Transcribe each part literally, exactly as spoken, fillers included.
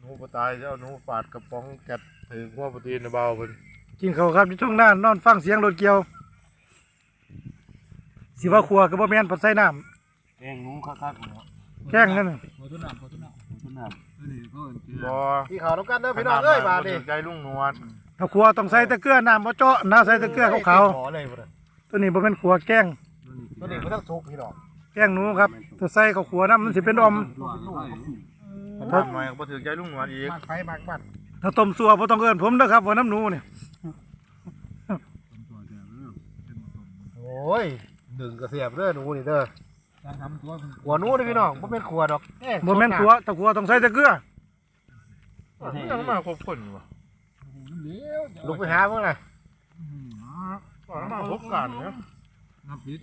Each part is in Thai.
หนูปตายจะเอาหนูฝาดกระป๋องแกะถึงหัวโปรตีนเบาเพิ่นกินเขาวครับอยู่ช่วงหน้านอนฟังเสียงรถเกี่ยวสิว่าครัวก็บ่แม่นปัดใส่น้แกงหนูคักๆเนาะำแกล้งนั่นน่ะโคตรหนักโคตรหนักต้นน้นี่เขาเอิ้นเกลือบ่ำที่เขาต้องการเด้อพี่น้องเอ้ยบาดนี่ใจลุงหนวดถ้าครัวต้องใส่แต่เกลือน้ำบ่เจาะน้าใส่แต่เกลือขาวขอเลยบ่ได้ๆตัวนี้บ่แม่นครัวแกล้งตัวนี้บ่ต้องสุกพี่น้องแกล้งหนูครับถ้าใส่ข้าวขัวน้ำมันสิเป็นอมทำหน่อยก็บ่ถึงใจลุงหนวดอีกมากไฟมากบ้านถ้าต้มซัวบ่ต้องเอิ้นผมเด้อครับว่าน้ำหนูเนี่ยโอ้ยดึงกระเสียบเด้อหนูนี่เด้อการทำตัวหัวหนูเด้อพี่น้องบ่เป็นขัวดอกบ่แม่นครัวถ้าครัวต้องใส่แต่เกลือยังมาครบคนอยู่วะเลี้ยวลุกไปหาเพิ่นน่ะก่อนมาครบกันเนี่ยน้ำพริก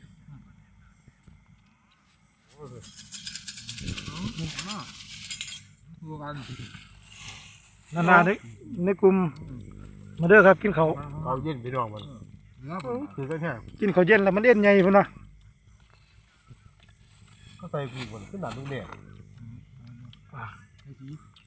ตัวกันนานๆในในกลุ่มมาเด้อครับกินข้าวเขาเย็นพี่น้องมันเนื้อคือก็แค่กินข้าวเย็นแล้วมันเอ็นใหญ่พุ่นน่ะก็ใส่พี่บ่ขึ้นหน้าลุงแดงไอ้ที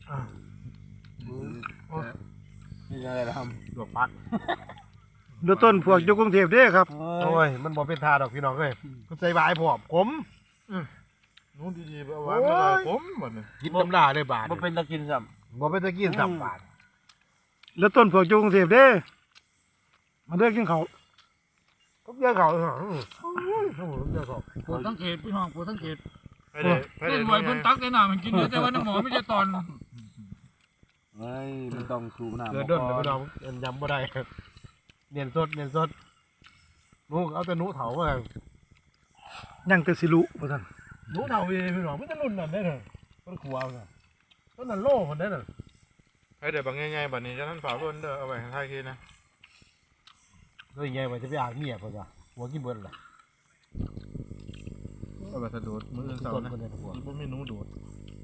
นี่อะไรล่ะครับดอกพักดูต้นพวกอยู่กรุงเทพเด้อครับโอ้ยมันบ่เป็นทาดอกพี่น้องเอ้ยก็ใส่บายพร้อมผมหนูดีๆเอาไว้ไม่ได้ผมหมดเลยกินตำลาเลยบาดมันเป็นตะกินซ้บ่เป็นตะกินสับบาดแล้วต้นพวกอยู่กรุงเทพเด้อมาเด้อกินข้าวก็เยอะเขาเออเยอะเขาำปวดสังเกตพี่น้องปวดสังเกตไปเลยไปเล่เลยนรวยเพิ่นตักได้หน่ามันกินเยอะแต่ว่าน้ำหมอไม่ใช่ตอนเฮ้ยมันต้องสูบน้ำเดือดด้นเลยพี่น้องยำบ่ได้เนียนสดเนียนสดหนูเอาแต่หนูเถามายังแต่สิลุว่าซั่นหนูเถาพี่พี่น้องไม่จะรุ่นนั่นได้เลยต้นขวาวน่ะต้นนั่นโล่คนได้น่ะไปเดี๋ยวบางง่ายๆบัดนี้จะท่านฝาล้วนเด้อเอาไปให้ทายทีนะแล้วยังไงมันจะไปอ่างเมียเพิ่นจ้ะหัวกินเบิดล่ะเอาไปสะดุดมืออื่นเสาต้นนะคนได้หัวบ่มีหนูดูด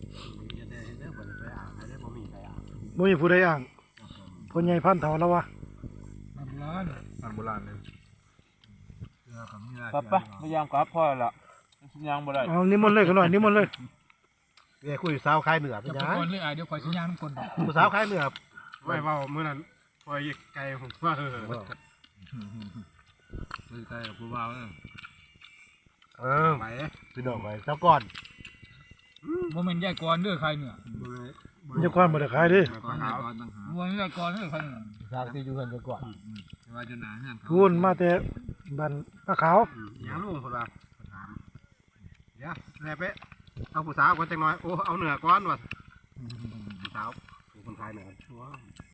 บ่มีผู้ใดอ้างคนใหญ่พันเฒ่าแล้ววะน้ำร้อนอันโบราณเลยเกลือกับนี่กลับปะไม่ยางกลับพ่อละมันยางบ่ได้เอานิมนต์เลยขน่อยนิมนต์เลยเนี่ยคุยสาวคลายเหนือเป็จะนไปยังก่อนเลยอ่ะเดี๋ยวคอยสัญญาณคนต่อผู้สาวคลายเหนือไม่เว้ามื้อนั้นปล่อยไก่ผมว่าเออไม่ใช่กับผู้บ่าวเออเออพี่น้องไปเจ้าก่อนโมเมนต์แยกก่อนเด้อใครเนี่ยมันจะกวนบ่ได้ขายเด้ก่อนหาก่อนต่างหากโมเมนต์แยกก่อนเด้อใครเนี่ยสาวที่อยู่กันเจ้าก่อนแต่ว่าจะหนาเงื่อนเขาพูนมาแต่บ้านป้าขาวยังลุงคนละเดี๋ยวแม่เป๊ะเอาผู้สาวก่อนจังน้อยโอ้เอาเหนือก่อนว่ะผู้สาวผู้คนไทยเหนือ